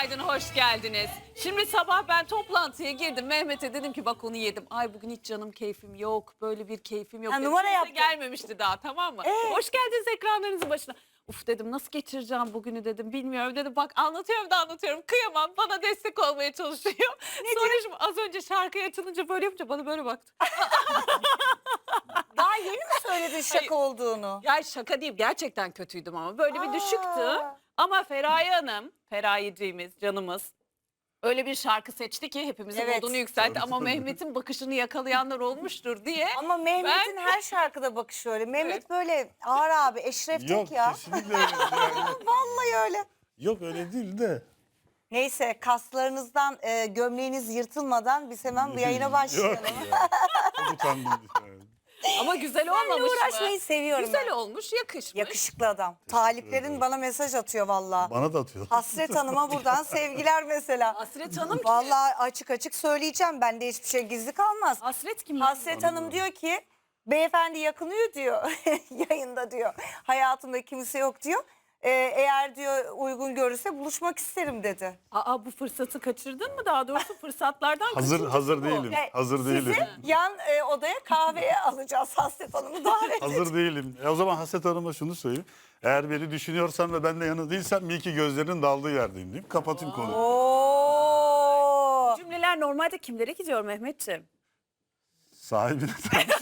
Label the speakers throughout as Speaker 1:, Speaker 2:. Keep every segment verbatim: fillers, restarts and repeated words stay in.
Speaker 1: Günaydın, hoş geldiniz. Şimdi sabah ben toplantıya girdim. Mehmet'e dedim ki bak onu yedim. Ay bugün hiç canım keyfim yok. Böyle bir keyfim yok.
Speaker 2: Ha,
Speaker 1: dedim.
Speaker 2: numara
Speaker 1: Kimse
Speaker 2: yaptın.
Speaker 1: gelmemişti daha, tamam mı?
Speaker 2: Ee?
Speaker 1: Hoş geldiniz ekranlarınızın başına. Uf dedim, nasıl geçireceğim bugünü dedim, bilmiyorum dedim. Bak anlatıyorum da anlatıyorum, kıyamam, bana destek olmaya çalışıyor. Sonra şimdi az önce şarkıyı açılınca böyle yapınca bana böyle baktı.
Speaker 2: Daha yeni mi söyledin şaka
Speaker 1: Hayır.
Speaker 2: olduğunu?
Speaker 1: Ya şaka değil, gerçekten kötüydüm ama böyle bir düşüktü.
Speaker 2: Aa.
Speaker 1: Ama Feraye Hanım, Ferayeciğimiz, canımız öyle bir şarkı seçti ki hepimizin
Speaker 2: Evet.
Speaker 1: modunu yükseltti.
Speaker 3: Tabii,
Speaker 1: Ama
Speaker 3: tabii.
Speaker 1: Mehmet'in bakışını yakalayanlar olmuştur diye.
Speaker 2: Ama Mehmet'in
Speaker 1: Ben-
Speaker 2: her şarkıda bakışı öyle. Mehmet
Speaker 1: Evet.
Speaker 2: böyle ağır abi, Eşref
Speaker 3: Yok
Speaker 2: Tek ya.
Speaker 3: kesinlikle öyle değil. Yani.
Speaker 2: Vallahi öyle.
Speaker 3: Yok öyle değil de.
Speaker 2: Neyse kaslarınızdan e, gömleğiniz yırtılmadan biz hemen bu yayına başlayalım.
Speaker 3: Yok ya. Çok utandım. Yani.
Speaker 1: Ama güzel
Speaker 2: Seninle
Speaker 1: olmamış
Speaker 2: uğraşmayı
Speaker 1: mı?
Speaker 2: seviyorum
Speaker 1: Güzel
Speaker 2: ben.
Speaker 1: olmuş, yakışmış.
Speaker 2: Yakışıklı adam. Taliplerin
Speaker 3: ederim.
Speaker 2: bana mesaj atıyor vallahi.
Speaker 3: Bana da atıyor.
Speaker 2: Hasret Hanım'a buradan sevgiler mesela.
Speaker 1: Hasret Hanım kim?
Speaker 2: Vallahi açık açık söyleyeceğim. Bende hiçbir şey gizli kalmaz.
Speaker 1: Hasret kim?
Speaker 2: Hasret Hanım diyor ki beyefendi yakınıyor diyor yayında diyor. Hayatımda kimse yok diyor. Ee, eğer diyor uygun görürse buluşmak isterim dedi.
Speaker 1: Aa, bu fırsatı kaçırdın mı? Daha doğrusu fırsatlardan
Speaker 3: Hazır
Speaker 1: kaçıncısı
Speaker 3: hazır
Speaker 1: bu?
Speaker 3: değilim.
Speaker 2: Ve
Speaker 3: Hazır değilim.
Speaker 2: Sizi yan e, odaya kahveye alacağız, Hasret Hanım'ı davet
Speaker 3: Hazır değilim. E o zaman Haset Hanım'a şunu söyleyeyim. Eğer beni düşünüyorsan ve ben de yanı değilsem iyi ki gözlerinin daldığı yerdeyim diyeyim. Kapatayım konuyu.
Speaker 2: Oo.
Speaker 1: Cümleler normalde kimlere gidiyor Mehmetciğim?
Speaker 3: Sahibine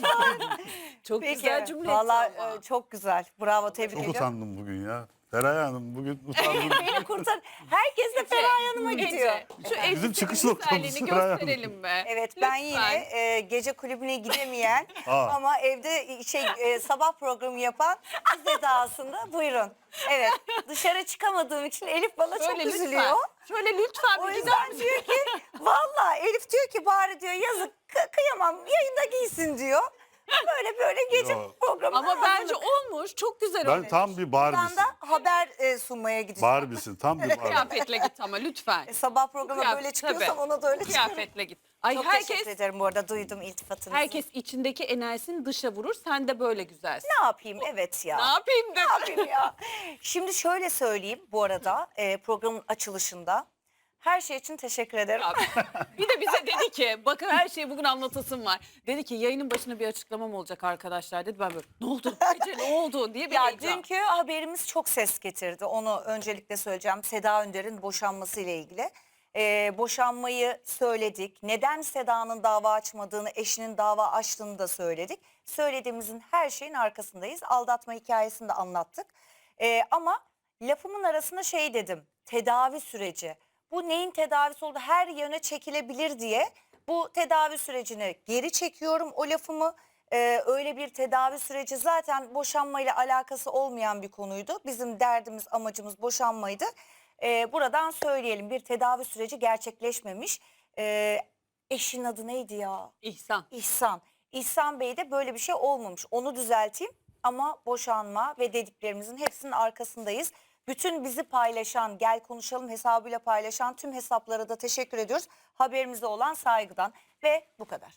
Speaker 1: Çok
Speaker 2: Peki.
Speaker 1: güzel cümle.
Speaker 2: Vallahi
Speaker 1: ama.
Speaker 2: e, çok güzel. Bravo, tebrik
Speaker 3: çok
Speaker 2: ediyorum.
Speaker 3: utandım bugün ya. Feraye Hanım bugün utandım.
Speaker 2: Beni kurtar. Herkes de Feraye Hanım'a
Speaker 1: Ece,
Speaker 2: gidiyor.
Speaker 1: Şu elbisenin
Speaker 3: çıkış noktamız
Speaker 1: güzelliğini
Speaker 3: Feraye Hanım.
Speaker 1: gösterelim mi?
Speaker 2: Evet, ben
Speaker 1: Lütfen.
Speaker 2: yine e, gece kulübüne gidemeyen
Speaker 3: Aa.
Speaker 2: ama evde şey e, sabah programı yapan kız edasında buyurun. Evet, dışarı çıkamadığım için Elif bana çok
Speaker 1: Şöyle
Speaker 2: üzülüyor.
Speaker 1: lütfen. Şöyle lütfen
Speaker 2: O
Speaker 1: bir gider
Speaker 2: yüzden
Speaker 1: misin?
Speaker 2: diyor ki vallahi Elif diyor ki bari diyor yazık kı- kıyamam yayında giysin diyor. Böyle böyle gece
Speaker 3: Yo.
Speaker 2: programı.
Speaker 1: Ama bence olmuş. Çok güzel
Speaker 2: şey
Speaker 3: Ben
Speaker 1: olmuş.
Speaker 3: tam bir
Speaker 2: Buradan
Speaker 3: Barbie'sin.
Speaker 2: da haber e, sunmaya gideceğim.
Speaker 3: Barbie'sin. Tam bir Barbie.
Speaker 1: Kıyafetle git ama lütfen.
Speaker 2: E, sabah programa
Speaker 1: Kıyafet-
Speaker 2: böyle çıkıyorsam
Speaker 1: tabii.
Speaker 2: ona da öyle çıkıyorum.
Speaker 1: Kıyafetle git. Ay
Speaker 2: Çok
Speaker 1: herkes
Speaker 2: teşekkür ederim bu arada, duydum iltifatınızı.
Speaker 1: herkes içindeki enerjisini dışa vurur. Sen de böyle güzelsin.
Speaker 2: Ne yapayım, evet ya.
Speaker 1: Ne yapayım
Speaker 2: Ne
Speaker 1: de.
Speaker 2: yapayım ya? Şimdi şöyle söyleyeyim bu arada e, programın açılışında. Her şey için teşekkür ederim.
Speaker 1: Abi, bir de bize dedi ki bakın her şeyi bugün anlatasım var. Dedi ki yayının başına bir açıklamam olacak arkadaşlar dedi. Ben böyle ne oldu? Ece ne oldu diye bir
Speaker 2: Ya
Speaker 1: heyecan.
Speaker 2: dünkü haberimiz çok ses getirdi. Onu öncelikle söyleyeceğim. Seda Önder'in boşanması ile ilgili. Ee, boşanmayı söyledik. Neden Seda'nın dava açmadığını, eşinin dava açtığını da söyledik. Söylediğimizin her şeyin arkasındayız. Aldatma hikayesini de anlattık. Ee, ama lafımın arasında şey dedim. Tedavi süreci. Bu neyin tedavisi oldu? Her yöne çekilebilir diye bu tedavi sürecini geri çekiyorum o lafımı. Ee, öyle bir tedavi süreci zaten boşanmayla alakası olmayan bir konuydu. Bizim derdimiz, amacımız boşanmaydı. Ee, buradan söyleyelim, bir tedavi süreci gerçekleşmemiş. Ee, eşin adı neydi ya?
Speaker 1: İhsan.
Speaker 2: İhsan. İhsan Bey'de böyle bir şey olmamış. Onu düzelteyim ama boşanma ve dediklerimizin hepsinin arkasındayız. Bütün bizi paylaşan, gel konuşalım hesabıyla paylaşan tüm hesaplara da teşekkür ediyoruz. Haberimize olan saygıdan ve bu kadar.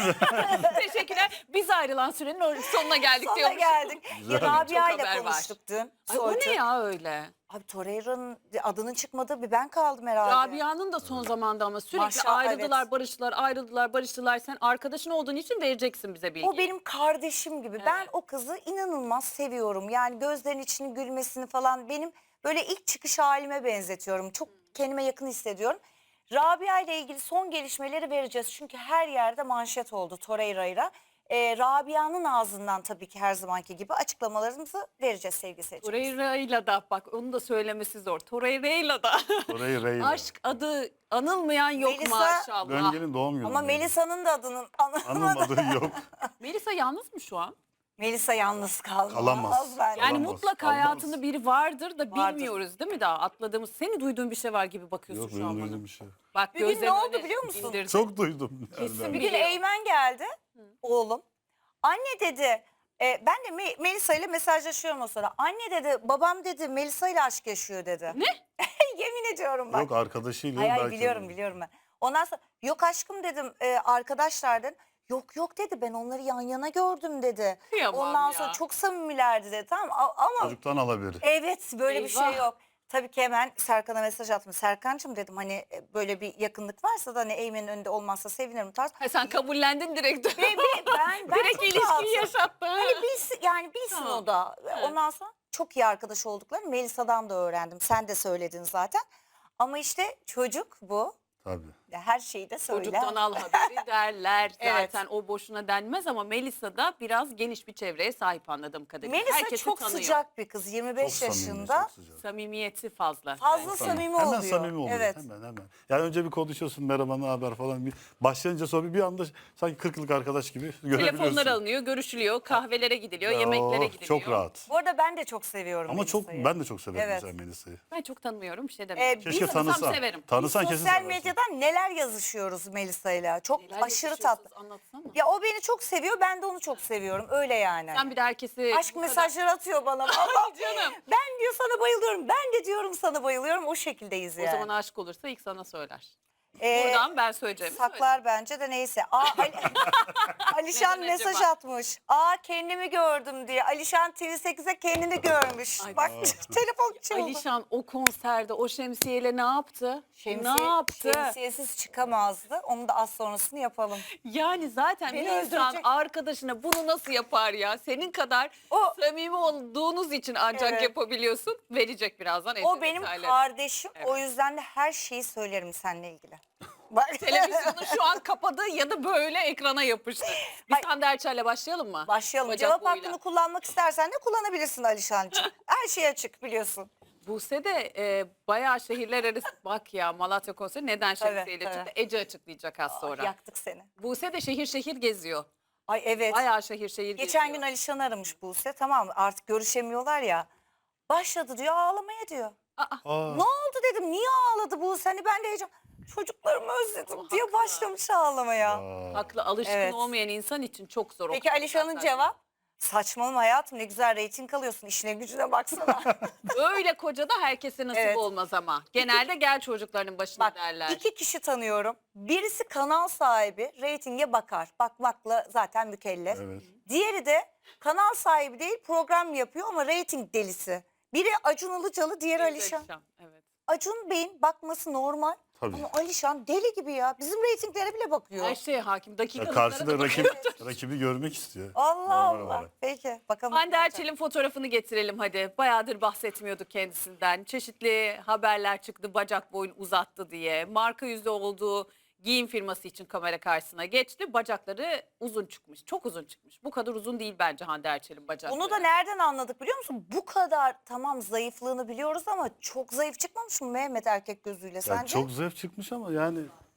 Speaker 1: Teşekkürler. Biz ayrılan sürenin sonuna geldik
Speaker 2: Sonra
Speaker 1: diyormuş.
Speaker 2: geldik.
Speaker 3: Güzel.
Speaker 2: Ya
Speaker 1: Çok
Speaker 2: Rabia
Speaker 1: haber
Speaker 2: ile
Speaker 1: var.
Speaker 2: konuştuk dün.
Speaker 1: Ay, o
Speaker 2: Soytu.
Speaker 1: ne ya öyle?
Speaker 2: Abi Torreira'nın adının çıkmadığı bir ben kaldım herhalde.
Speaker 1: Rabia'nın da son zamanda ama sürekli
Speaker 2: Maşallah,
Speaker 1: ayrıldılar,
Speaker 2: evet.
Speaker 1: barıştılar, ayrıldılar, barıştılar. Sen arkadaşın olduğun için vereceksin bize bilgi.
Speaker 2: O benim kardeşim gibi. Ben
Speaker 1: Evet.
Speaker 2: o kızı inanılmaz seviyorum. Yani gözlerinin içini gülmesini falan benim böyle ilk çıkış halime benzetiyorum. Çok kendime yakın hissediyorum. Rabia ile ilgili son gelişmeleri vereceğiz. Çünkü her yerde manşet oldu Torreira'yla. Ee, Rabia'nın ağzından tabii ki her zamanki gibi açıklamalarımızı vereceğiz sevgili seyirciler.
Speaker 1: Torreira'yla da bak onu da söylemesi zor. Torreira'yla da
Speaker 3: Orayı Reyla.
Speaker 1: aşk adı anılmayan yok
Speaker 2: Melisa-
Speaker 1: maşallah.
Speaker 3: Döngel'in doğum günü.
Speaker 2: Ama Melisa'nın da adının anılmadı.
Speaker 3: Anılmadığı yok.
Speaker 1: Melisa yalnız mı şu an?
Speaker 2: Melisa yalnız kalmaz.
Speaker 3: Kalamaz.
Speaker 2: bence.
Speaker 1: Yani
Speaker 3: Kalamaz,
Speaker 1: mutlaka
Speaker 3: kalmaz.
Speaker 1: hayatında biri vardır da
Speaker 2: Vardır.
Speaker 1: bilmiyoruz değil mi daha atladığımız. Seni duyduğun bir şey var gibi bakıyorsun
Speaker 3: Yok
Speaker 1: şu an
Speaker 3: benim
Speaker 1: bana.
Speaker 3: duyduğum bir şey. yok.
Speaker 1: Bak
Speaker 2: Bir gün ne
Speaker 1: gözlerini
Speaker 2: oldu
Speaker 1: öyle
Speaker 2: biliyor musun?
Speaker 1: indirdi.
Speaker 3: Çok duydum.
Speaker 1: Kesin
Speaker 3: nereden?
Speaker 2: Bir gün
Speaker 1: biliyor.
Speaker 2: Eymen geldi, oğlum. Anne dedi, e, ben de Me- Melisa ile mesajlaşıyorum o sırada. Anne dedi, babam dedi Melisa ile aşk yaşıyor dedi.
Speaker 1: Ne?
Speaker 2: Yemin ediyorum bak.
Speaker 3: Yok arkadaşıyla.
Speaker 2: Hayır, hayır,
Speaker 3: belki
Speaker 2: biliyorum
Speaker 3: de.
Speaker 2: biliyorum ben. Ondan sonra yok aşkım dedim, e, arkadaşlar dedim. Yok yok dedi, ben onları yan yana gördüm dedi.
Speaker 1: Kıyamam
Speaker 2: Ondan
Speaker 1: ya.
Speaker 2: sonra çok samimilerdi dedi, tamam a- ama
Speaker 3: Çocuktan al haberi.
Speaker 2: evet böyle bir şey
Speaker 1: Eyvah.
Speaker 2: yok. Tabii ki hemen Serkan'a mesaj attım. Serkan'cığım dedim hani e, böyle bir yakınlık varsa da hani Eymen'in önünde olmazsa sevinirim tarz.
Speaker 1: Ha, sen kabullendin direkt.
Speaker 2: Ve, ve ben, ben
Speaker 1: direkt
Speaker 2: çok
Speaker 1: ilişkiyi
Speaker 2: rahatım.
Speaker 1: yaşattı.
Speaker 2: Hani bilsin, yani bilsin
Speaker 1: Tamam.
Speaker 2: o da.
Speaker 1: Evet.
Speaker 2: Ondan sonra çok iyi arkadaş olduklarını Melisa'dan da öğrendim. Sen de söyledin zaten. Ama işte çocuk bu.
Speaker 3: Tabii.
Speaker 2: Ya her şeyi de söyler.
Speaker 1: Çocuktan al haberi derler.
Speaker 2: Evet.
Speaker 1: Zaten o boşuna denmez ama Melisa da biraz geniş bir çevreye sahip anladığım kadarıyla.
Speaker 2: Melisa
Speaker 1: Herkesi
Speaker 2: çok
Speaker 1: tanıyor.
Speaker 2: sıcak bir kız. yirmi beş
Speaker 3: Çok samimi,
Speaker 2: yaşında.
Speaker 3: çok sıcak.
Speaker 1: Samimiyeti fazla.
Speaker 2: Fazla
Speaker 1: bence.
Speaker 2: samimi
Speaker 3: hemen
Speaker 2: oluyor.
Speaker 3: samimi oluyor.
Speaker 2: Evet.
Speaker 3: Hemen hemen. Yani önce bir konuşuyorsun merhaba ne haber falan. Bir başlayınca sonra bir anda sanki kırk yıllık arkadaş gibi görebiliyorsun.
Speaker 1: Telefonlar alınıyor, görüşülüyor, kahvelere gidiliyor,
Speaker 3: Ya,
Speaker 1: yemeklere
Speaker 3: oh,
Speaker 1: gidiliyor.
Speaker 3: Çok rahat.
Speaker 2: Bu arada ben de çok seviyorum
Speaker 3: Ama çok
Speaker 2: Melisa'yı.
Speaker 3: ben de çok severim
Speaker 2: Evet.
Speaker 3: mesela Melisa'yı.
Speaker 1: Ben çok tanımıyorum, bir şey
Speaker 2: Ee,
Speaker 1: demiyorum.
Speaker 2: biz
Speaker 3: Keşke
Speaker 1: tanısam
Speaker 3: tanısan.
Speaker 1: severim.
Speaker 3: Tanısan
Speaker 2: Biz
Speaker 3: kesin
Speaker 2: sosyal
Speaker 3: seversin.
Speaker 2: medyadan neler yazışıyoruz Melisa'yla. Çok
Speaker 1: Neler
Speaker 2: aşırı
Speaker 1: yazışıyorsunuz,
Speaker 2: tatlı.
Speaker 1: Anlatsana.
Speaker 2: Ya o beni çok seviyor, ben de onu çok seviyorum. Öyle yani.
Speaker 1: Sen bir de herkesi...
Speaker 2: Aşk
Speaker 1: bu kadar-
Speaker 2: mesajları atıyor bana. Allah
Speaker 1: Canım.
Speaker 2: ben diyor sana bayılıyorum. Ben de diyorum sana bayılıyorum. O şekildeyiz
Speaker 1: O
Speaker 2: yani.
Speaker 1: zaman aşık olursa ilk sana söyler.
Speaker 2: Ee,
Speaker 1: Buradan ben söyleyeceğimi
Speaker 2: saklar bence de neyse. Aa, Ali, Alişan
Speaker 1: Neden
Speaker 2: mesaj
Speaker 1: acaba?
Speaker 2: atmış. Aa kendimi gördüm diye. Alişan T V sekize kendini görmüş.
Speaker 1: Ay,
Speaker 2: Bak telefon
Speaker 1: söyleyeyim.
Speaker 2: çaldı.
Speaker 1: Alişan o konserde o şemsiyeyle ne yaptı?
Speaker 2: Şemsiye-
Speaker 1: ne yaptı?
Speaker 2: Şemsiyesiz çıkamazdı. Onu da az sonrasını yapalım.
Speaker 1: Yani zaten
Speaker 2: Beni
Speaker 1: bir insan
Speaker 2: öldürecek.
Speaker 1: arkadaşına bunu nasıl yapar ya? Senin kadar
Speaker 2: O-
Speaker 1: samimi olduğunuz için ancak
Speaker 2: Evet.
Speaker 1: yapabiliyorsun. Verecek birazdan.
Speaker 2: O
Speaker 1: evde
Speaker 2: benim
Speaker 1: detayları.
Speaker 2: kardeşim. O
Speaker 1: Evet.
Speaker 2: yüzden de her şeyi söylerim seninle ilgili. Bak.
Speaker 1: Televizyonu şu an kapadı ya da böyle ekrana yapıştı. Biz
Speaker 2: Ay-
Speaker 1: Hande Erçel'le başlayalım mı?
Speaker 2: Başlayalım.
Speaker 1: Bacak
Speaker 2: Cevap
Speaker 1: boyuyla.
Speaker 2: hakkını kullanmak istersen de kullanabilirsin Alişancığım. Her şey açık biliyorsun.
Speaker 1: Buse de e, bayağı şehirler arası bak ya Malatya konseri neden
Speaker 2: Tabii,
Speaker 1: şemsiyeyle
Speaker 2: tabii.
Speaker 1: çıktı? Ece açıklayacak az sonra.
Speaker 2: Yaktık seni.
Speaker 1: Buse de şehir şehir geziyor.
Speaker 2: Ay evet.
Speaker 1: Bayağı şehir şehir
Speaker 2: Geçen
Speaker 1: geziyor.
Speaker 2: gün Alişan'ı aramış Buse. Tamam mı? Artık görüşemiyorlar ya. Başladı diyor ağlamaya diyor.
Speaker 3: Aa,
Speaker 2: Ne oldu dedim. Niye ağladı Buse? Hani ben de heyecan. Çocuklarımı özledim
Speaker 1: O
Speaker 2: diye
Speaker 1: haklı.
Speaker 2: başlamış ağlamaya.
Speaker 3: aa.
Speaker 1: Haklı alışkın
Speaker 2: Evet.
Speaker 1: olmayan insan için çok zor. o
Speaker 2: Peki Alişan'ın
Speaker 1: konserler.
Speaker 2: cevap? Saçmalama hayatım ne güzel reyting alıyorsun. İşine gücüne baksana.
Speaker 1: Öyle koca da herkese nasip
Speaker 2: Evet.
Speaker 1: olmaz ama. Genelde gel çocuklarının başına
Speaker 2: Bak
Speaker 1: derler.
Speaker 2: iki kişi tanıyorum. Birisi kanal sahibi reytinge bakar. Bakmakla zaten mükellef.
Speaker 3: Evet.
Speaker 2: Diğeri de kanal sahibi değil program yapıyor ama reyting delisi. Biri Acun Ilıcalı, diğeri
Speaker 1: Evet,
Speaker 2: Alişan.
Speaker 1: Evet.
Speaker 2: Acun Bey'in bakması normal.
Speaker 3: Tabii.
Speaker 2: Ama Alişan deli gibi ya. Bizim reytinglere bile bakıyor.
Speaker 1: Her şeye hakim.
Speaker 3: Ya
Speaker 1: Dakikalıklara
Speaker 3: karşıda
Speaker 1: da
Speaker 3: rakip,
Speaker 1: bakıyor.
Speaker 3: rakibi görmek istiyor.
Speaker 2: Allah
Speaker 3: Normal
Speaker 2: Allah.
Speaker 3: olarak.
Speaker 2: Peki bakalım.
Speaker 1: Hande
Speaker 2: ne olacak?
Speaker 1: Erçel'in fotoğrafını getirelim hadi. Bayağıdır bahsetmiyorduk kendisinden. Çeşitli haberler çıktı bacak boyun uzattı diye. Marka yüzü olduğu giyim firması için kamera karşısına geçti. Bacakları uzun çıkmış. Çok uzun çıkmış. Bu kadar uzun değil bence Hande Erçel'in bacakları.
Speaker 2: Bunu da nereden anladık biliyor musun? Bu kadar tamam zayıflığını biliyoruz ama çok zayıf çıkmamış mı Mehmet erkek gözüyle
Speaker 3: Ya
Speaker 2: sence?
Speaker 3: çok zayıf çıkmış ama yani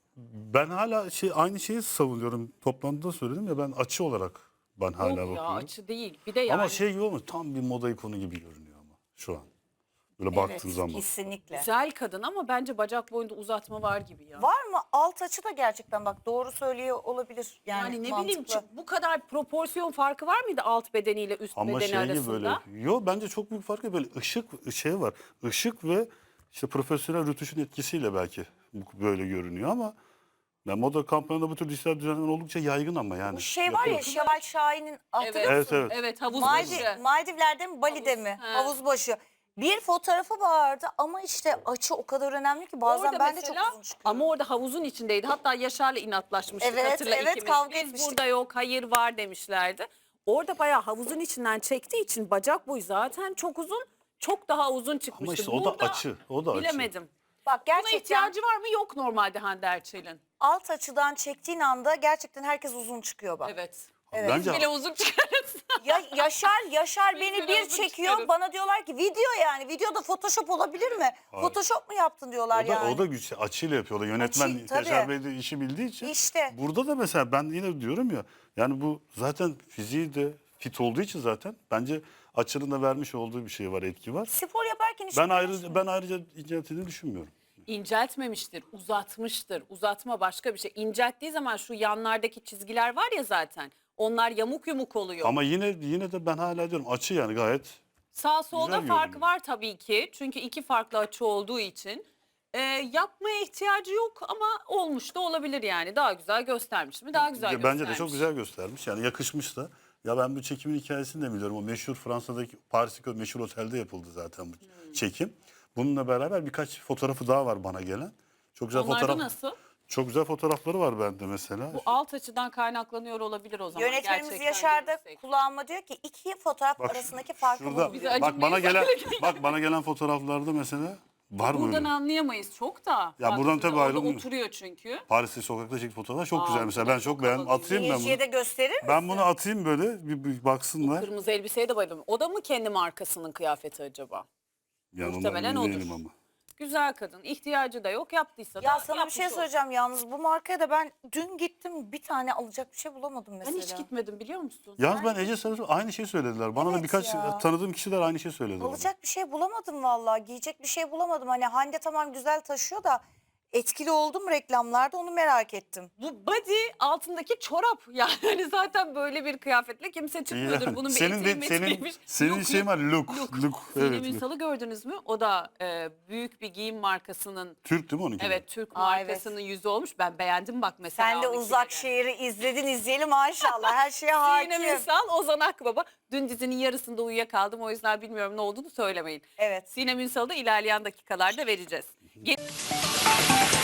Speaker 3: ben hala şey aynı şeyi savunuyorum. Toplantıda söyledim ya ben açı olarak ben hala
Speaker 1: Yok
Speaker 3: bakıyorum.
Speaker 1: ya açı değil. Bir de yani.
Speaker 3: Ama şey gibi olmuş tam bir moda ikonu gibi görünüyor ama şu an. Böyle
Speaker 2: Evet,
Speaker 3: baktığın zaman.
Speaker 2: kesinlikle.
Speaker 1: Güzel kadın ama bence bacak boyunda uzatma var gibi ya.
Speaker 2: Var mı? Alt açı da gerçekten bak doğru söylüyor olabilir. Yani,
Speaker 1: Yani ne
Speaker 2: mantıklı.
Speaker 1: bileyim çok- bu kadar proporsiyon farkı var mıydı alt bedeniyle üst
Speaker 3: Ama
Speaker 1: bedeni
Speaker 3: şey gibi
Speaker 1: arasında?
Speaker 3: böyle. Yo bence çok büyük fark yok. Böyle ışık şey var. Işık ve işte profesyonel rötuşun etkisiyle belki bu böyle görünüyor ama ya moda kampanyalarında bu tür dijital düzenler oldukça yaygın ama yani.
Speaker 2: Bu şey var ya
Speaker 3: Yapılıyor.
Speaker 2: Şevval Şahin'in hatırlıyor
Speaker 1: Evet,
Speaker 3: Evet,
Speaker 2: musun?
Speaker 3: evet.
Speaker 1: evet havuz
Speaker 2: Maldiv,
Speaker 1: başı.
Speaker 2: Maldivler'de mi Bali'de
Speaker 1: Havuz,
Speaker 2: mi?
Speaker 1: he.
Speaker 2: Havuz başı. Bir fotoğrafı vardı ama işte açı o kadar önemli ki bazen
Speaker 1: Orada
Speaker 2: ben de
Speaker 1: mesela,
Speaker 2: çok uzun çıkıyorum.
Speaker 1: ama orada havuzun içindeydi. Hatta Yaşar'la inatlaşmıştık
Speaker 2: Evet,
Speaker 1: hatırla
Speaker 2: evet,
Speaker 1: ikimiz.
Speaker 2: kavga
Speaker 1: Biz
Speaker 2: etmiştik.
Speaker 1: burada yok hayır var demişlerdi. Orada bayağı havuzun içinden çektiği için bacak boyu zaten çok uzun. Çok daha uzun çıkmıştı.
Speaker 3: Ama işte o da
Speaker 1: Burada
Speaker 3: açı. O da açı.
Speaker 1: bilemedim.
Speaker 2: Bak
Speaker 1: Buna
Speaker 2: gerçekten
Speaker 1: ihtiyacı var mı? Yok normalde Hande Erçel'in.
Speaker 2: alt açıdan çektiğin anda gerçekten herkes uzun çıkıyor bak.
Speaker 1: Evet.
Speaker 2: Evet.
Speaker 3: Bence
Speaker 1: Bile uzun çıkarız.
Speaker 2: Ya Yaşar Yaşar
Speaker 1: Biz
Speaker 2: beni
Speaker 1: bile
Speaker 2: bir
Speaker 1: uzun
Speaker 2: çekiyor.
Speaker 1: çıkarız.
Speaker 2: Bana diyorlar ki video yani. Videoda Photoshop olabilir mi?
Speaker 3: Hayır.
Speaker 2: Photoshop mu yaptın diyorlar
Speaker 3: o da,
Speaker 2: yani.
Speaker 3: o da güç açıyla yapıyorlar. Yönetmen
Speaker 2: Açı, tabii.
Speaker 3: Yaşar Bey de işi bildiği için.
Speaker 2: İşte.
Speaker 3: Burada da mesela ben yine diyorum ya yani bu zaten fiziği de fit olduğu için zaten bence açının da vermiş olduğu bir şey var, etki var.
Speaker 2: Spor yaparken hiç
Speaker 3: Ben
Speaker 2: biliyorsun.
Speaker 3: ayrıca ben ayrıca inceltildiğini düşünmüyorum.
Speaker 1: İnceltmemiştir, uzatmıştır. Uzatma başka bir şey. İncelttiği zaman şu yanlardaki çizgiler var ya zaten. Onlar yamuk yumuk oluyor.
Speaker 3: Ama yine yine de ben hala diyorum açı yani gayet
Speaker 1: Sağ solda
Speaker 3: Güzel
Speaker 1: fark
Speaker 3: görünüyor.
Speaker 1: var tabii ki. Çünkü iki farklı açı olduğu için. Ee, yapmaya ihtiyacı yok ama olmuş da olabilir yani. Daha güzel göstermiş mi? Daha güzel
Speaker 3: Ya
Speaker 1: göstermiş.
Speaker 3: bence de çok güzel göstermiş. Yani yakışmış da. Ya ben bu çekimin hikayesini de biliyorum. O meşhur Fransa'daki Paris'teki o meşhur otelde yapıldı zaten bu çekim. Bununla beraber birkaç fotoğrafı daha var bana gelen. Çok güzel
Speaker 1: Onlarda
Speaker 3: fotoğraf.
Speaker 1: nasıl?
Speaker 3: Çok güzel fotoğrafları var bende mesela.
Speaker 1: Bu alt açıdan kaynaklanıyor olabilir o zaman.
Speaker 2: Yönetmenimiz
Speaker 1: Gerçekten
Speaker 2: Yaşar da
Speaker 1: görürsek.
Speaker 2: kulağıma diyor ki iki fotoğraf
Speaker 3: Bak,
Speaker 2: arasındaki farkı
Speaker 3: şurada,
Speaker 2: bul
Speaker 1: Bize
Speaker 2: diyor.
Speaker 3: bak bana
Speaker 1: acıkmayın.
Speaker 3: gelen bak bana gelen fotoğraflarda mesela var mı
Speaker 1: Buradan
Speaker 3: öyle?
Speaker 1: anlayamayız çok da.
Speaker 3: Ya
Speaker 1: Bak
Speaker 3: buradan
Speaker 1: şimdi
Speaker 3: tabii
Speaker 1: orada
Speaker 3: ayrılmıyor.
Speaker 1: oturuyor çünkü.
Speaker 3: Paris'te sokakta çektiği fotoğraflar çok
Speaker 1: Aa,
Speaker 3: güzel mesela.
Speaker 1: bu da
Speaker 3: Ben
Speaker 1: çok
Speaker 3: çok beğendim.
Speaker 1: havalı.
Speaker 3: Atayım ben bunu.
Speaker 2: Seyirciye de gösterir misin?
Speaker 3: Ben bunu atayım böyle bir, bir baksınlar.
Speaker 1: Kırmızı elbiseye de bayıldım. O da mı kendi markasının kıyafeti acaba?
Speaker 3: Yani ondan
Speaker 1: muhtemelen
Speaker 3: emin
Speaker 1: odur.
Speaker 3: değilim ama.
Speaker 1: Güzel kadın. İhtiyacı da yok. Yaptıysa da
Speaker 2: Ya sana bir
Speaker 1: yapmış
Speaker 2: şey
Speaker 1: olur.
Speaker 2: söyleyeceğim yalnız bu markaya da ben dün gittim bir tane alacak bir şey bulamadım mesela.
Speaker 1: Ben hiç gitmedim biliyor musun?
Speaker 3: Yalnız ben Ece Sarı aynı şey söylediler. Bana da
Speaker 2: Evet
Speaker 3: birkaç
Speaker 2: ya.
Speaker 3: tanıdığım kişiler aynı şey söylediler.
Speaker 2: Alacak bir şey bulamadım vallahi. Giyecek bir şey bulamadım. Hani Hande tamam güzel taşıyor da etkili oldum reklamlarda onu merak ettim.
Speaker 1: Bu body altındaki çorap. Yani hani zaten böyle bir kıyafetle kimse çıkmıyordur.
Speaker 3: Yani
Speaker 1: Bunun bir
Speaker 3: senin
Speaker 1: eteği
Speaker 3: de senin
Speaker 1: meteğiymiş.
Speaker 3: senin
Speaker 1: Look,
Speaker 3: şeyin var look
Speaker 1: look.
Speaker 3: look,
Speaker 1: Sinem
Speaker 3: evet. look.
Speaker 1: Ünsal'ı gördünüz mü? O da e, büyük bir giyim markasının
Speaker 3: Türk değil mi onunki? de?
Speaker 1: evet Türk
Speaker 2: Aa, evet.
Speaker 1: markasının yüzü olmuş. Ben beğendim bak mesela.
Speaker 2: Sen de
Speaker 1: onunkileri.
Speaker 2: Uzak Şehir'i izledin izleyelim maşallah her şeye hakim.
Speaker 1: Sinem Ünsal, Ozan Akbaba. Dün dizinin yarısında uyuyakaldım. O yüzden bilmiyorum ne olduğunu söylemeyin.
Speaker 2: Evet.
Speaker 1: Sinem Ünsal'ı da ilerleyen dakikalarda vereceğiz. Ge-